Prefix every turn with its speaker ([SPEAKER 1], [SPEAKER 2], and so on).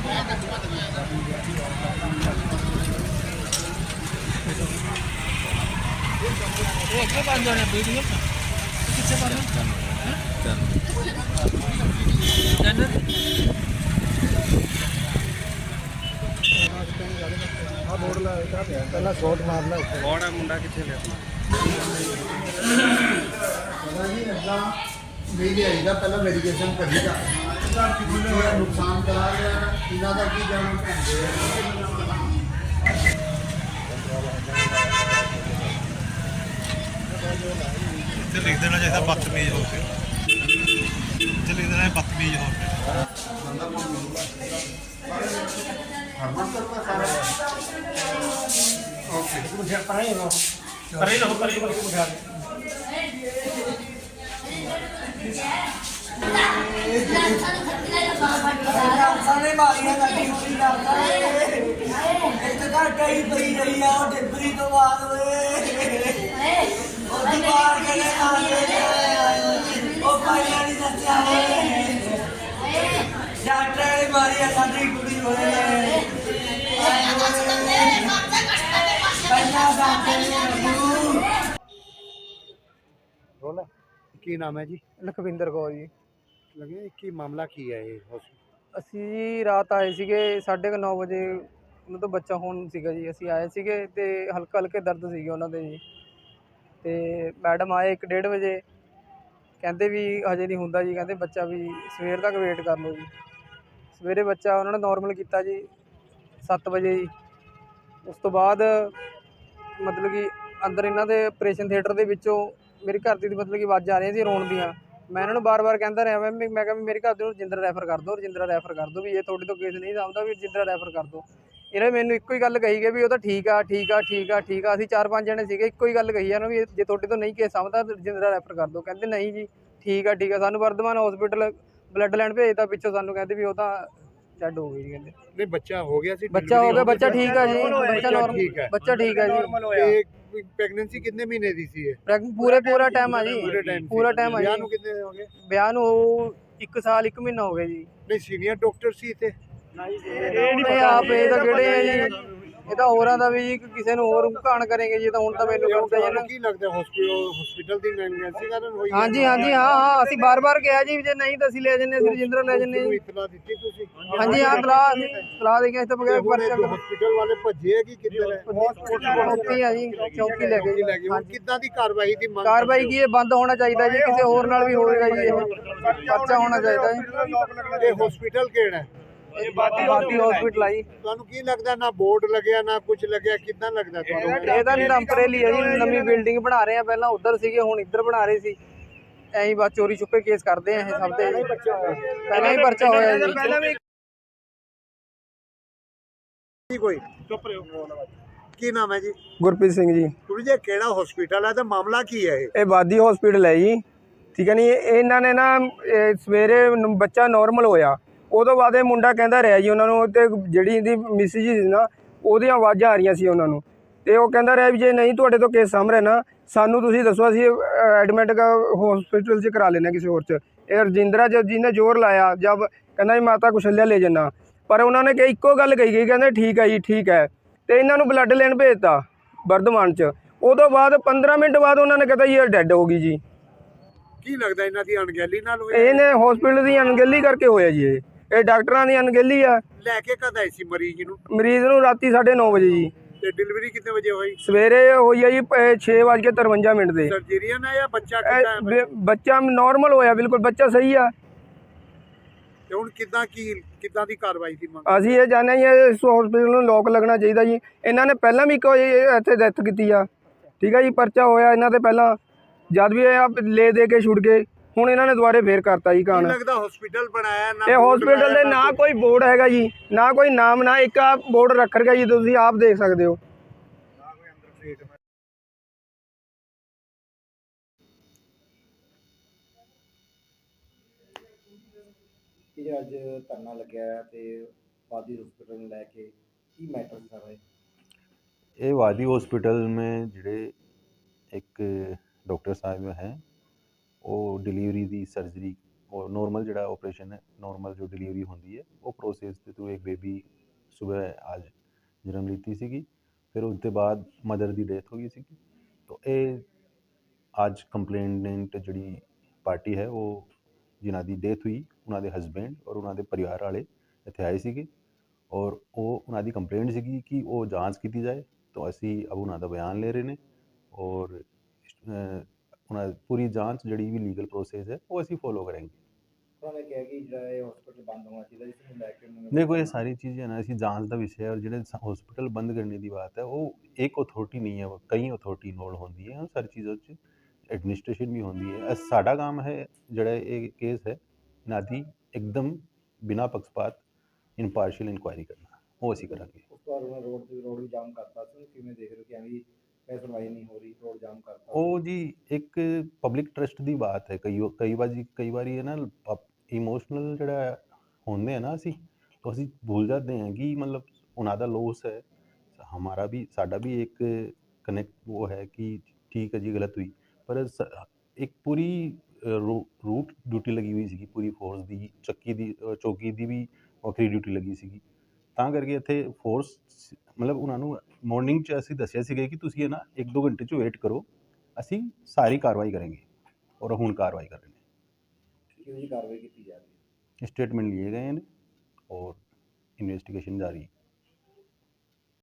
[SPEAKER 1] क्या बात है वीडियो किससे बात
[SPEAKER 2] पहला शॉट मारना
[SPEAKER 1] बड़ा मुंडा किथे लिया
[SPEAKER 2] नहीं आईदा पहला मेडिकेशन करीदा नुकसान करा गया इन्हों का की जाना
[SPEAKER 3] लिख देना चाहिए बदतमीज हो के लिख देना बदतमीज हो के
[SPEAKER 2] की नाम है जी?
[SPEAKER 4] लखविंदर कौर जी।
[SPEAKER 2] लगे की मामला की है ये
[SPEAKER 4] ਅਸੀਂ ਜੀ ਰਾਤ ਆਏ ਸੀਗੇ 9:30 ਵਜੇ ਉਹਨਾਂ ਤੋਂ ਬੱਚਾ ਹੋਣ ਸੀਗਾ ਜੀ। ਅਸੀਂ ਆਏ ਸੀਗੇ ਤੇ ਹਲਕਾ ਹਲਕੇ ਦਰਦ ਸੀਗੇ ਉਹਨਾਂ ਦੇ ਜੀ। ਤੇ ਮੈਡਮ ਆਏ 1:30 ਵਜੇ, ਕਹਿੰਦੇ ਵੀ ਹਜੇ ਨਹੀਂ ਹੁੰਦਾ ਜੀ, ਕਹਿੰਦੇ ਬੱਚਾ ਵੀ ਸਵੇਰ ਤੱਕ ਵੇਟ ਕਰ ਲਓ ਜੀ। ਸਵੇਰੇ ਬੱਚਾ ਉਹਨਾਂ ਨੇ ਨੋਰਮਲ ਕੀਤਾ ਜੀ 7 ਵਜੇ ਜੀ। ਉਸ ਤੋਂ ਬਾਅਦ ਮਤਲਬ ਕਿ ਅੰਦਰ ਇਹਨਾਂ ਦੇ ਆਪਰੇਸ਼ਨ ਥੀਏਟਰ ਦੇ ਵਿੱਚੋਂ ਮੇਰੀ ਘਰ ਦੀ ਮਤਲਬ ਕਿ ਆਵਾਜ਼ਾਂ ਆ ਰਹੀਆਂ ਸੀ ਰੋਣ ਦੀਆਂ। ਮੈਂ ਇਹਨਾਂ ਨੂੰ ਬਾਰ-ਬਾਰ ਕਹਿੰਦਾ ਰਿਹਾ ਮੈਂ ਕਿਹਾ ਵੀ ਮੇਰੇ ਘਰ ਦੇ ਨੂੰ ਰਜਿੰਦਰਾ ਰੈਫਰ ਕਰ ਦਿਓ, ਰਜਿੰਦਰਾ ਰੈਫਰ ਕਰ ਦਿਓ, ਵੀ ਇਹ ਤੁਹਾਡੇ ਤੋਂ ਕੇਸ ਨਹੀਂ ਸਮਝਦਾ ਵੀ ਰਜਿੰਦਰਾ ਰੈਫਰ ਕਰ ਦਿਓ। ਇਹਨਾਂ ਮੈਨੂੰ ਇੱਕੋ ਹੀ ਗੱਲ ਕਹੀ ਗਈ ਵੀ ਉਹ ਤਾਂ ਠੀਕ ਆ ਠੀਕ ਆ ਠੀਕ ਆ ਠੀਕ ਆ। ਅਸੀਂ 4-5 ਜਣੇ ਸੀਗੇ, ਇੱਕੋ ਹੀ ਗੱਲ ਕਹੀ ਇਹਨਾਂ ਵੀ ਜੇ ਤੁਹਾਡੇ ਤੋਂ ਨਹੀਂ ਕੇਸ ਸਮਝਦਾ ਰਜਿੰਦਰਾ ਰੈਫਰ ਕਰ ਦਿਓ। ਕਹਿੰਦੇ ਨਹੀਂ ਜੀ ਠੀਕ ਆ ਠੀਕ ਆ। ਸਾਨੂੰ ਵਰਧਮਾਨ ਹਸਪੀਟਲ ਬਲੱਡ ਲੈਣ ਭੇਜਤਾ, ਪਿੱਛੋਂ ਸਾਨੂੰ ਕਹਿੰਦੇ ਵੀ ਉਹ ਤਾਂ ਡੈਡ ਹੋ ਗਈ ਜੀ। ਕਹਿੰਦੇ
[SPEAKER 2] नहीं बच्चा हो गया सी
[SPEAKER 4] ਬੱਚਾ ਹੋ ਗਿਆ, ਬੱਚਾ ਠੀਕ ਆ ਜੀ, ਬੱਚਾ ਨੋਰਮਲ, ਬੱਚਾ ਠੀਕ ਆ ਜੀ।
[SPEAKER 2] प्रेगनेंसी कितने महीने दी सी है?
[SPEAKER 4] ਪੂਰਾ ਟਾਈਮ ਆ ਜੀ, ਪੂਰਾ ਟਾਈਮ ਆ
[SPEAKER 2] ਵਿਆਹ
[SPEAKER 4] ਜੀ।
[SPEAKER 2] ਨੂੰ ਕਿੰਨੇ ਹੋ ਗਏ?
[SPEAKER 4] ਵਿਆਹ ਨੂੰ 1 ਸਾਲ 1 ਮਹੀਨਾ ਹੋ ਗਿਆ ਜੀ।
[SPEAKER 2] ਨਹੀਂ ਸੀਨੀਅਰ ਡਾਕਟਰ ਸੀ ਇੱਥੇ?
[SPEAKER 4] ਇਹ ਆਪ ਇਹ ਤਾਂ ਕਿਹੜੇ ਆ ਜੀ, ਇਹ ਤਾਂ ਹੋਰਾਂ ਦਾ ਵੀ ਜੀ ਕਿਸੇ ਨੂੰ ਹੋਰ ਘਾਣ ਕਰੇਗੇ ਜੀ। ਤਾਂ ਹੁਣ ਤਾਂ ਮੈਨੂੰ ਕਰਦਾ ਜੀ ਨਾ।
[SPEAKER 2] ਕੀ ਲੱਗਦਾ ਹਸਪੀਟਲ ਦੀ ਨੈਗਲੀਜੈਂਸੀ ਕਾਰਨ ਹੋਈ?
[SPEAKER 4] ਹਾਂਜੀ ਹਾਂਜੀ ਹਾਂ ਅਸੀਂ ਬਾਰ-ਬਾਰ ਕਿਹਾ ਜੀ ਜੇ ਨਹੀਂ ਤਾਂ ਅਸੀਂ ਲੈ ਜੰਨੇ, ਅਸੀਂ ਰਜਿੰਦਰਾ ਲੈ ਜੰਨੇ ਜੀ।
[SPEAKER 2] ਇਤਲਾ ਦਿੱਤੀ ਤੁਸੀਂ?
[SPEAKER 4] ਹਾਂਜੀ ਹਾਂ ਸਲਾਹ ਦੇ ਕੇ ਇਸ ਤੋਂ ਬਗੈਰ ਪਰਚਾ
[SPEAKER 2] ਹਸਪੀਟਲ ਵਾਲੇ ਭੱਜੇ ਆ ਕਿ ਕਿੱਧਰ ਹੈ?
[SPEAKER 4] ਚੌਕੀ ਆ ਜੀ, ਚੌਕੀ ਲੈ ਗਏ ਜੀ।
[SPEAKER 2] ਹੁਣ ਕਿੱਦਾਂ ਦੀ ਕਾਰਵਾਈ ਦੀ ਮੰਗ?
[SPEAKER 4] ਕਾਰਵਾਈ ਕੀ ਇਹ ਬੰਦ ਹੋਣਾ ਚਾਹੀਦਾ ਜੀ, ਕਿਸੇ ਹੋਰ ਨਾਲ ਵੀ ਹੋਵੇਗਾ ਜੀ, ਇਹ ਪਰਚਾ ਹੋਣਾ ਚਾਹੀਦਾ ਜੀ।
[SPEAKER 2] ਇਹ ਹਸਪੀਟਲ ਕਿਹੜਾ ਹੈ?
[SPEAKER 4] ਇਹ ਬਾਦੀ ਹਸਪੀਟਲ ਆ ਜੀ।
[SPEAKER 2] ਤੁਹਾਨੂੰ ਕੀ ਲੱਗਦਾ ਨਾ ਬੋਰਡ ਲੱਗਿਆ ਨਾ ਕੁਝ ਲੱਗਿਆ, ਕਿੱਦਾਂ ਲੱਗਦਾ ਤੁਹਾਨੂੰ?
[SPEAKER 4] ਇਹ ਤਾਂ ਟੈਂਪਰੇਰੀ ਹੈ ਜੀ, ਨਵੀਂ ਬਿਲਡਿੰਗ ਬਣਾ ਰਹੇ ਆ। ਪਹਿਲਾਂ ਉੱਧਰ ਸੀਗੇ, ਹੁਣ ਇੱਧਰ ਬਣਾ ਰਹੇ ਸੀ। ਐਂ ਹੀ ਬਸ ਚੋਰੀ ਛੁਪੇ ਕੇਸ ਕਰਦੇ ਆ ਇਹ ਸਭ ਤੇ। ਪਹਿਲਾਂ ਹੀ ਪਰਚਾ ਹੋਇਆ ਜੀ।
[SPEAKER 2] ਕੋਈ ਚੁੱਪ ਰਹੋ। ਕੀ ਨਾਮ ਹੈ ਜੀ?
[SPEAKER 4] ਗੁਰਪ੍ਰੀਤ ਸਿੰਘ ਜੀ।
[SPEAKER 2] ਤੁਸੀਂ ਜੇ ਕਿਹੜਾ ਹਸਪੀਟਲ ਹੈ ਤੇ ਮਾਮਲਾ ਕੀ ਹੈ?
[SPEAKER 4] ਇਹ ਬਾਦੀ ਹਸਪੀਟਲ ਹੈ ਜੀ, ਠੀਕ ਹੈ ਨੀ। ਇਹਨਾਂ ਨੇ ਨਾ ਸਵੇਰੇ ਬੱਚਾ ਨੋਰਮਲ ਹੋਇਆ, ਉਦੋਂ ਬਾਅਦ ਇਹ ਮੁੰਡਾ ਕਹਿੰਦਾ ਰਿਹਾ ਜੀ ਉਹਨਾਂ ਨੂੰ, ਤੇ ਜਿਹੜੀ ਇਹਦੀ ਮਿਸਿਜ ਸੀ ਨਾ ਉਹਦੀਆਂ ਆਵਾਜ਼ਾਂ ਆ ਰਹੀਆਂ ਸੀ ਉਹਨਾਂ ਨੂੰ, ਤੇ ਉਹ ਕਹਿੰਦਾ ਰਿਹਾ ਵੀ ਜੇ ਨਹੀਂ ਤੁਹਾਡੇ ਤੋਂ ਕੇਸ ਸਾਹਮਣੇ ਨਾ ਸਾਨੂੰ ਤੁਸੀਂ ਦੱਸੋ, ਅਸੀਂ ਐਡਮਿਟ ਹਸਪੀਟਲ 'ਚ ਕਰਾ ਲੈਂਦੇ ਕਿਸੇ ਹੋਰ 'ਚ। ਇਹ ਰਜਿੰਦਰਾ ਜਿਹਨੇ ਜ਼ੋਰ ਲਾਇਆ ਜਦ ਕਹਿੰਦਾ ਜੀ ਮਾਤਾ ਕੁਸ਼ਲਿਆ ਲੈ ਜਾਣਾ, ਪਰ ਉਹਨਾਂ ਨੇ ਇੱਕੋ ਗੱਲ ਕਹੀ ਗਈ, ਕਹਿੰਦੇ ਠੀਕ ਹੈ ਜੀ ਠੀਕ ਹੈ। ਤੇ ਇਹਨਾਂ ਨੂੰ ਬਲੱਡ ਲੈਣ ਭੇਜਤਾ ਵਰਧਮਾਨ 'ਚ। ਉਦੋਂ ਬਾਅਦ 15 ਮਿੰਟ ਬਾਅਦ ਉਹਨਾਂ ਨੇ ਕਹਿੰਦਾ ਜੀ ਇਹ ਡੈਡ ਹੋ ਗਈ ਜੀ।
[SPEAKER 2] ਕੀ ਲੱਗਦਾ ਇਹਨਾਂ ਦੀ ਅਣਗਹਿਲੀ ਨਾਲ ਹੋਇਆ?
[SPEAKER 4] ਇਹਨੇ ਹਸਪੀਟਲ ਦੀ ਅਣਗਹਿਲੀ ਕਰਕੇ ਹੋਇਆ ਜੀ। ਇਹ ਡਾਕਟਰਾਂ ਦੀ ਅਣਗਹਿਲੀ ਆ।
[SPEAKER 2] ਲੈ ਕੇ ਕਦ ਆਈ ਸੀ ਮਰੀਜ਼ ਨੂੰ?
[SPEAKER 4] ਮਰੀਜ਼ ਨੂੰ ਰਾਤੀ 9:30 ਵਜੇ ਜੀ।
[SPEAKER 2] ਤੇ ਡਿਲੀਵਰੀ ਕਿੰਨੇ ਵਜੇ ਹੋਈ?
[SPEAKER 4] ਸਵੇਰੇ ਹੋਈ ਹੈ ਜੀ 6:53 ਦੇ।
[SPEAKER 2] ਸਰਜਰੀਅਨ ਹੈ ਜਾਂ ਬੱਚਾ ਕਿੱਦਾਂ ਹੈ?
[SPEAKER 4] ਬੱਚਾ ਨਾਰਮਲ ਹੋਇਆ, ਬਿਲਕੁਲ ਬੱਚਾ ਸਹੀ ਆ।
[SPEAKER 2] ਤੇ ਹੁਣ ਕਿੱਦਾਂ ਦੀ ਕਾਰਵਾਈ ਦੀ ਮੰਗ?
[SPEAKER 4] ਅਸੀਂ ਇਹ ਚਾਹੁੰਦੇ ਹਾਂ ਜੀ ਇਸ ਹਸਪੀਟਲ ਨੂੰ ਲੋਕ ਲੱਗਣਾ ਚਾਹੀਦਾ ਜੀ। ਇਹਨਾਂ ਨੇ ਪਹਿਲਾਂ ਵੀ ਇੱਕ ਇੱਥੇ ਡੈਥ ਕੀਤੀ ਆ, ਠੀਕ ਹੈ ਜੀ, ਪਰਚਾ ਹੋਇਆ ਇਹਨਾਂ ਤੇ ਪਹਿਲਾਂ, ਜਦ ਵੀ ਇਹ ਲੈ ਦੇ ਕੇ ਛੁੱਟ ਗਏ। ਹੁਣ ਇਹਨਾਂ ਨੇ ਦੁਬਾਰੇ ਫੇਰ ਕਰਤਾ ਜੀ ਕਾਣ।
[SPEAKER 2] ਲੱਗਦਾ ਹਸਪੀਟਲ ਬਣਾਇਆ ਨਾ,
[SPEAKER 4] ਇਹ ਹਸਪੀਟਲ ਦੇ ਨਾ ਕੋਈ ਬੋਰਡ ਹੈਗਾ ਜੀ, ਨਾ ਕੋਈ ਨਾਮ, ਨਾ ਇੱਕ ਆ ਬੋਰਡ ਰੱਖ ਰਿਹਾ ਜੀ, ਤੁਸੀਂ ਆਪ ਦੇਖ ਸਕਦੇ ਹੋ।
[SPEAKER 5] ਇਹ ਅੱਜ ਧਰਨਾ ਲੱਗਿਆ ਤੇ वादी हॉस्पिटल में लैके की मैटर कर रहे?
[SPEAKER 6] ये वादी हॉस्पिटल में जिहड़े एक डॉक्टर साहब हैं वो डिलीवरी दी सर्जरी और नॉर्मल ਜਿਹੜਾ ਆਪਰੇਸ਼ਨ ਹੈ ਨॉर्मल जो डिलीवरी ਹੁੰਦੀ ਹੈ ਉਹ ਪ੍ਰੋਸੈਸ ਦੇ ਥਰੂ ਇੱਕ ਬੇਬੀ ਸਵੇਰ ਅੱਜ ਜਨਮ ਲੀਤੀ ਸੀਗੀ ਫਿਰ ਉਸ ਤੋਂ ਬਾਅਦ ਮਦਰ ਦੀ ਡੈਥ ਹੋ ਗਈ ਸੀਗੀ ਤਾਂ ਇਹ ਅੱਜ ਕੰਪਲੇਨੈਂਟ ਜਿਹੜੀ ਪਾਰਟੀ ਹੈ ਉਹ ਜਿਨ੍ਹਾਂ ਦੀ ਡੈਥ ਹੋਈ ਉਹਨਾਂ ਦੇ ਹਸਬੈਂਡ ਔਰ ਉਹਨਾਂ ਦੇ ਪਰਿਵਾਰ ਵਾਲੇ ਇੱਥੇ ਆਏ ਸੀਗੇ ਔਰ ਉਹ ਉਹਨਾਂ ਦੀ ਕੰਪਲੇਂਟ ਸੀਗੀ ਕਿ ਉਹ ਜਾਂਚ ਕੀਤੀ ਜਾਏ ਤਾਂ ਅਸੀਂ ਅਬ ਉਹਨਾਂ ਦਾ ਬਿਆਨ ਲੈ ਰਹੇ ਨੇ ਔਰ ਉਹਨਾਂ ਦੀ ਪੂਰੀ ਜਾਂਚ ਜਿਹੜੀ ਵੀ ਲੀਗਲ ਪ੍ਰੋਸੈਸ ਹੈ ਉਹ ਅਸੀਂ ਫੋਲੋ ਕਰਾਂਗੇ।
[SPEAKER 5] ਉਹਨਾਂ ਨੇ ਕਿਹਾ ਕਿ ਜਿਹੜਾ ਇਹ ਹਸਪੀਟਲ ਬੰਦ ਹੋਣਾ ਚਾਹੀਦਾ ਜਿਸ ਨੂੰ ਲੈ ਕੇ ਉਹਨਾਂ ਨੇ
[SPEAKER 6] देखो ये सारी चीज़ें ना ऐसी जांच का विषय है और जो हॉस्पिटल बंद करने की बात है वो एक अथॉरिटी नहीं है वो कई अथॉरिटी इन्वॉल्व होती है और सारी चीज़ों च एडमिनिस्ट्रेशन भी होती है साडा काम है जड़ा ये केस है ना दी एकदम बिना पक्षपात इनपार्शियल इंक्वायरी करना वो असी करांगे।
[SPEAKER 5] ਉਸ ਤੋਂ ਬਾਅਦ ਉਹਨਾਂ ਰੋਡ ਵੀ ਜਾਮ ਕਰਤਾ ਸੀ ਕਿਵੇਂ ਦੇਖ ਰਹੇ ਹੋ ਕਿ ਐਵੇਂ ਕੋਈ ਸੁਣਵਾਈ ਨਹੀਂ ਹੋ ਰਹੀ ਰੋਡ ਜਾਮ ਕਰਤਾ
[SPEAKER 6] ਉਹ ਜੀ ਇੱਕ ਪਬਲਿਕ ਟਰਸਟ ਦੀ ਬਾਤ ਹੈ ਕਈ ਵਾਰੀ ਹੈ ਨਾ ਇਮੋਸ਼ਨਲ ਜਿਹੜਾ ਹੁੰਦੇ ਆ ਨਾ ਅਸੀਂ तो ਅਸੀਂ भूल जाते हैं कि मतलब ਉਹਨਾਂ ਦਾ लॉस है हमारा भी साडा भी एक कनेक्ट वो है कि ठीक है जी गलत हुई पर एक पूरी रूट ड्यूटी लगी हुई ਸੀਗੀ ਪੂਰੀ ਫੋਰਸ ਦੀ ਚੌਕੀ ਦੀ ਵੀ ਵੱਖਰੀ ਡਿਊਟੀ ਲੱਗੀ ਸੀਗੀ ਤਾਂ ਕਰਕੇ ਇੱਥੇ ਫੋਰਸ ਮਤਲਬ ਉਹਨਾਂ ਨੂੰ ਮਾਰਨਿੰਗ 'ਚ ਅਸੀਂ ਦੱਸਿਆ ਸੀਗਾ ਕਿ ਤੁਸੀਂ ਨਾ 1-2 ਘੰਟੇ 'ਚ ਵੇਟ ਕਰੋ ਅਸੀਂ ਸਾਰੀ ਕਾਰਵਾਈ ਕਰਾਂਗੇ ਔਰ ਹੁਣ ਕਾਰਵਾਈ ਕਰ ਰਹੇ ਨੇ।
[SPEAKER 5] ਕਿਹੋ ਜਿਹੀ ਕਾਰਵਾਈ ਕੀਤੀ ਜਾ ਰਹੀ ਹੈ?
[SPEAKER 6] स्टेटमेंट लिए गए हैं और इन्वेस्टिगेशन जारी है।